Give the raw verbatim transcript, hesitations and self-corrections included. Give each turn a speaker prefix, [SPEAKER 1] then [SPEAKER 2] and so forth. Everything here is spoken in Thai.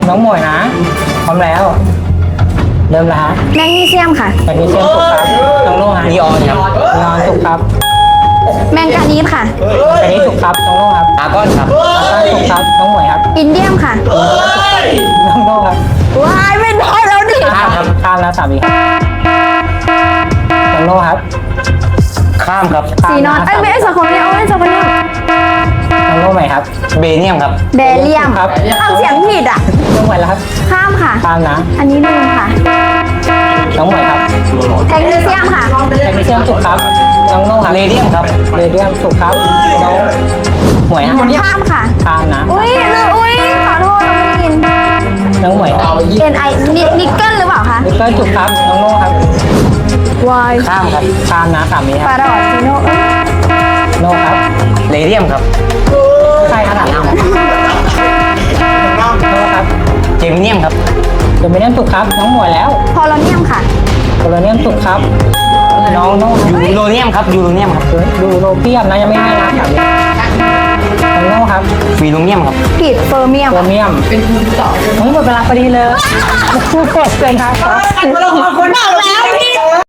[SPEAKER 1] น้องหมวยนะพร้อมแล้วเริ่มแล้วฮะ
[SPEAKER 2] แมกนีเซียมค่ะ
[SPEAKER 1] แมกนีเซียมถูกครับน้องโล่ฮะ
[SPEAKER 3] นีออนครับ
[SPEAKER 1] นีออนถูกครับ
[SPEAKER 2] แมงกานีสค่ะ
[SPEAKER 1] อันนี้ถูกครับน้องโล่ครับ
[SPEAKER 3] อาร์กอนครับ
[SPEAKER 1] อาร์ถูกครับน้องหมวยครับ
[SPEAKER 2] อินเดียมค่ะ
[SPEAKER 1] น้องโล่ครับ
[SPEAKER 2] ว้ายไม่ได้แล้วดิ
[SPEAKER 1] ข้ามครับข้ามแล้วสามีครับน้องโล่ครับ
[SPEAKER 3] ข้ามครับ
[SPEAKER 1] ข้าม
[SPEAKER 2] สีนอนเอ้ยไม่ใช่สองคนเดียวเอ้ยสองคนเดียว
[SPEAKER 1] น้องโล่ใหม่ครับ
[SPEAKER 3] เบเนียมครับ
[SPEAKER 2] เบเลียม
[SPEAKER 1] ครับ
[SPEAKER 2] เอาเสียงผิดอ่ะ
[SPEAKER 1] น้องหมวยแล้วครับ
[SPEAKER 2] ข้ามค่ะ
[SPEAKER 1] ข้ามนะ
[SPEAKER 2] อันนี้ลืมค่ะ
[SPEAKER 1] น้องหมวยครับ
[SPEAKER 2] แมกนีเซียมค่ะ
[SPEAKER 1] แมกนีเซียมถูกครับน้องโล่ครับ
[SPEAKER 3] เรเดียมครับ
[SPEAKER 1] เรเดียมถูกครับน้องหมวยฮะ
[SPEAKER 2] ข้ามค่ะ
[SPEAKER 1] ข้ามนะ
[SPEAKER 2] อุ้ยลืมอุ้ยขอโทษเราไม่ได้ยิน
[SPEAKER 1] น้องหมวยครับ
[SPEAKER 2] เอ็นไอนิกเกิลหรือเปล่าคะ
[SPEAKER 1] นิกเกิลถูกครับน้องโล่ครับ
[SPEAKER 2] วาย
[SPEAKER 3] ข้ามครับ
[SPEAKER 1] ข้ามนะสามีค
[SPEAKER 2] ปา
[SPEAKER 1] รับ
[SPEAKER 2] รอดซิโนเอ้ย
[SPEAKER 1] โล่ครับ
[SPEAKER 3] เรเดียมครับ
[SPEAKER 1] ใช่ขนาดนั้นโล่ครับ
[SPEAKER 3] เจมิเนียมครับ
[SPEAKER 1] เดมิเนียมถูกครับน้องหมวยแล้ว
[SPEAKER 2] พอลเนียมค่ะ
[SPEAKER 1] โคโลเนียมถูกครับน้องน้อง
[SPEAKER 3] ยูโรเนียมครับ ยูโรเนียมครับ
[SPEAKER 1] ดูโรเปียมนะยังไม่ให้นะสามีน้องโน่ครับ
[SPEAKER 3] ฟีโรเนียมครับ
[SPEAKER 2] ผิดเฟอร์เมียม
[SPEAKER 1] โครเมียมเป็นคุณต่อหมดเวลาพอดีเลยพูดเสร็จเลยครับ
[SPEAKER 2] บอกแล้วพี่